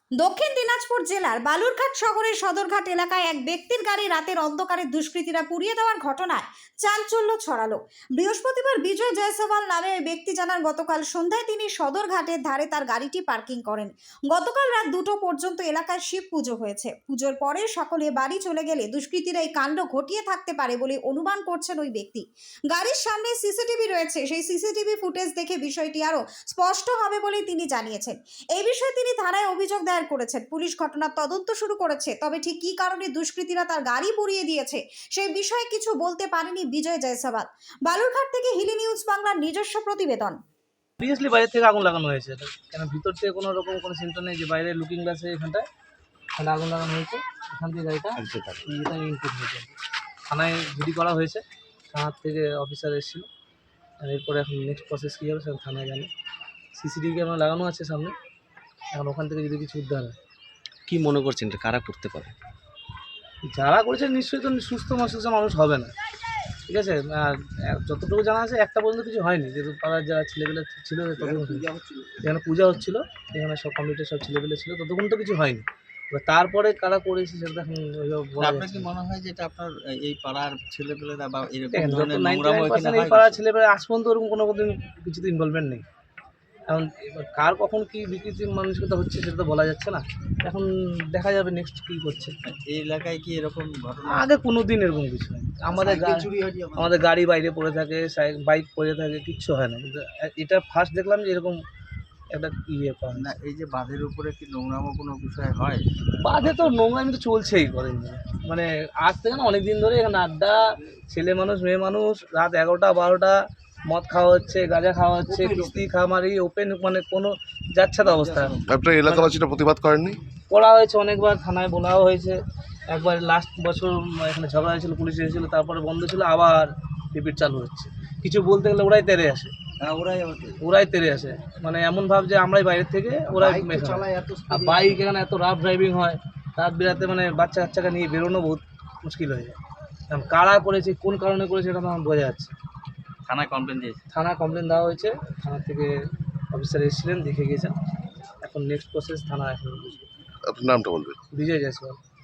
দক্ষিণ দিনাজপুর জেলার বালুরঘাট শহরের সদরঘাট এলাকায় এক ব্যক্তির গাড়ি রাতের অন্ধকারে দুষ্কৃতীরা পুড়িয়ে দেওয়ার ঘটনায় চাঞ্চল্য ছড়ালো। বৃহস্পতিবার বিজয় জয়সওয়াল নামে ওই ব্যক্তি জানান, গতকাল সন্ধ্যায় তিনি সদরঘাটের ধারে তার গাড়িটি পার্কিং করেন। গতকাল রাত 2টো পর্যন্ত এলাকায় শিব পুজো হয়েছে। পুজোর পরে সকলে বাড়ি চলে গেলে দুষ্কৃতীরা এই কাণ্ড ঘটিয়ে থাকতে পারে বলে অনুমান করছেন ওই ব্যক্তি। গাড়ির সামনে সিসিটিভি রয়েছে, সেই সিসিটিভি ফুটেজ দেখে বিষয়টি আরও স্পষ্ট হবে বলে তিনি জানিয়েছেন। এই বিষয়ে তিনি থানায় অভিযোগ দায়ের করেছেন। পুলিশ ঘটনার তদন্ত শুরু করেছে। তবে ঠিক কী কারণে দুষ্কৃতীরা তার গাড়ি পুড়িয়ে দিয়েছে সেই বিষয়ে কিছু বলতে পারেনি বিজয় জয়সওয়াল। বালুরঘাট থেকে হিলি নিউজ বাংলার নিজস্ব প্রতিবেদন। অবভিয়াসলি বাইরে থেকে আগুন লাগানো হয়েছে, এটা কেন ভিতর থেকে কোনো রকম কোনো সিমটম নেই যে বাইরে লুকিং গ্লাসে এখানটায় এখানে আগুন লাগানো হয়েছে। এখান থেকে গাড়িটা এটা ইনপুট হয়েছে, থানায় জিডি করা হয়েছে। থানার থেকে অফিসার এসেছিল, আর এরপরে এখন নেক্সট প্রসেস কী হবে সেটা থানায় জানে। সিসিটিভি ক্যামেরা লাগানো আছে সামনে, এখন ওখান থেকে যদি কিছু উদ্ধার হয়। কি মনে করছেন এটা কারা করতে পারে? যারা করেছে নিশ্চয়ই তো সুস্থ মস্তিষ্ক মানুষ হবে না, ঠিক আছে। যতটুকু জানা আছে একটা পর্যন্ত কিছু হয়নি, যেহেতু পাড়ার যারা ছেলেপেলে ছিল এখানে পূজা হচ্ছিলো, এখানে সব কমিটির সব ছেলেপেলে ছিল, ততক্ষণ তো কিছু হয়নি। এবার তারপরে কারা করেছে সেটা এখন আপনার কি মনে হয় যে এটা আপনার এই পাড়ার ছেলেপেলেরা বা এরকম এই ধরনের নোংরামো এখানে পাড়ার হয়? ছেলেপেলে আজ পর্যন্ত ওরকম কোনো কিছুতে ইনভলভমেন্ট নেই। এখন এবার কার কখন কী বিকৃতির মানসিকতা হচ্ছে সেটা তো বলা যাচ্ছে না। এখন দেখা যাবে নেক্সট কী করছে। এই এলাকায় কি এরকম ঘটনা আগে কোনো দিন এরকম কিছু হয় আমাদের গাড়ি বাইরে পড়ে থাকে, বাইক পড়ে থাকে, কিচ্ছু হয় না। কিন্তু এটা ফার্স্ট দেখলাম যে এরকম একটা পাওয়া না? এই যে বাঁধের উপরে কি নোংরামো কোনো বিষয় হয়? বাদে তো নোংরামি তো চলছেই করেন, মানে আজ থেকে না অনেক দিন ধরে এখানে আড্ডা, ছেলে মানুষ মেয়ে মানুষ, রাত 11টা 12টা মদ খাওয়া হচ্ছে, গাঁজা খাওয়া হচ্ছে, কিস্তি খামারি ওপেন, মানে কোনো যাচ্ছে তো অবস্থা। আপনার এলাকাবাসীরা প্রতিবাদ করেননি? করা হয়েছে অনেকবার, থানায় বলাও হয়েছে। একবার লাস্ট বছর এখানে ঝগড়া হয়েছিল, পুলিশ এসেছিলো, তারপরে বন্ধ ছিল, আবার রিপিট চালু হচ্ছে। কিছু বলতে গেলে ওরাই তেড়ে আসে, ওরাই তেড়ে আসে, মানে এমন ভাব যে আমরাই বাইরের থেকে ওরাই বাইক এখানে এত রাফ ড্রাইভিং হয় রাত বিরাতে, মানে বাচ্চা কাচ্চাকে নিয়ে বেরোনো বহুত মুশকিল হয়ে যায়। কারণ কারা করেছে, কোন কারণে করেছে এটা তো আমার বোঝা যাচ্ছে। থানায় কমপ্লেন দিয়েছে? থানায় কমপ্লেন দেওয়া হয়েছে, থানা থেকে অফিসার এসেছিলেন, দেখে গেছেন। এখন নেক্সট প্রসেস থানা এখন বুঝবে। আপনার নামটা বলবেন? বিজয় জয়সওয়াল।